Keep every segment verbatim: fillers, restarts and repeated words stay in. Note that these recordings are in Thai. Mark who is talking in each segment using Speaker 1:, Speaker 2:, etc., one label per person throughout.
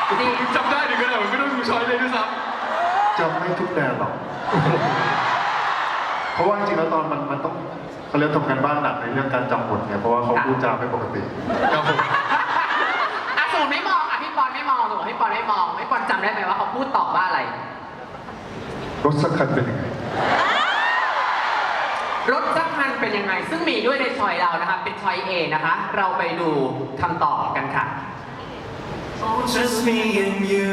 Speaker 1: ดี
Speaker 2: จำได้ถึงขนาดไม่ต้องดูช้อยเลยด้วยซ้
Speaker 3: จำไม่ทุกแดนหรอก เพราะว่าจริงๆแล้วตอนมันมันต้องเขาเรียกทำการบ้านหนักในเรื่องการจำบทเนี่ยเพราะว่าเขาพูดจาไม่ปกติ
Speaker 2: ำครับผม
Speaker 1: อ่ะสมมติไม่มองอ่ะพี่ปอนไม่มองสมมติพี่ปอนไม่มองพี่ปอนจำได้ไหมว่าเขาพูดตอบว่าอะไร
Speaker 3: รถสักคันเป็นยังไง
Speaker 1: รถสักคันเป็นยังไง ซึ่งมีด้วยในชอยเรานะคะเป็นชอยเอนะคะ เราไปดูคำตอบกันค่ะ
Speaker 4: Oh, just me and you.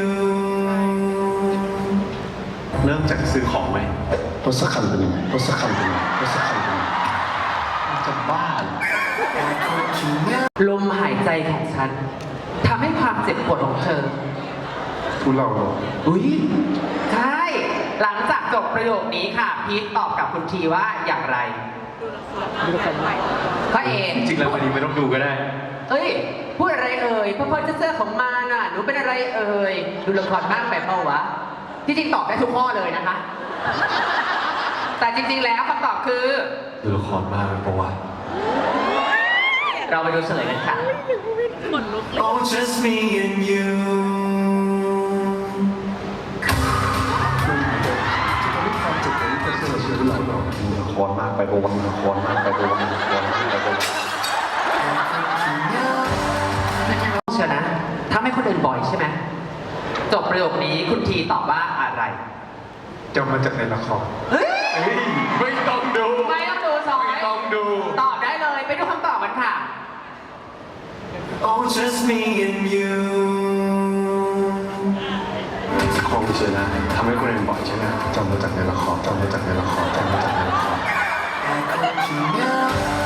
Speaker 2: เริ่มจากซื้อของไหม
Speaker 3: รถสักคันเป็นยังไงรถสักคันเป็นยังไงรถสักคันเป็นยังไง
Speaker 2: จะบ้าเหรอ
Speaker 1: ลมหายใจของฉันทำให้ความเจ็บปวดของเธอ
Speaker 3: ทุเลาลง
Speaker 1: อุ้ยใช่ หลังจากจบประโยคนี้ค่ะ พีทตอบกับคุณทีว่าอย่างไรก็เอ
Speaker 2: จริงๆแล้ววันนี้ไม่ต้องดูก็ได้
Speaker 1: เอ้ย พูดอะไรเอ่ยเพื่อเพื่อเสื้อของมาน่ะหนูเป็นอะไรเอ่ยดูละครบ้างแบบเปล่าวะที่จริงตอบได้ทุกข้อเลยนะคะ แต่จริงๆแล้วคำตอบคือ
Speaker 2: ดูละครมากเป็นประวัติ
Speaker 1: เราไปดูเฉลยกันค่ะ
Speaker 4: Oh, just me and you.
Speaker 3: จะไม่ความเจ็บปวดที่เสื้อเชื่อหรือเปล่าละครมากไปโอวันละครมากไปโอวันละครมากไปโอวัน
Speaker 1: เชื่อนะทำให้คนอื่นบ่อยใช่ไหมจบประโยคนี้คุณทีตอบว่าอะไร
Speaker 3: จำมาจากในละคร
Speaker 1: เฮ้ย
Speaker 2: เฮ้ยไม่ต้องดู
Speaker 1: ไม่ต้องดูซอย
Speaker 2: ไม่ต้องดู
Speaker 1: ตอบได้เลยไปดูคำตอบกันค่ะ
Speaker 4: Oh, just me and you.
Speaker 3: ของเชื่อนะทำให้คนอื่นบ่อยใช่ไหมจำมาจากในละครจำมาจากในละครจำมาจากในละคร
Speaker 4: I caught you now.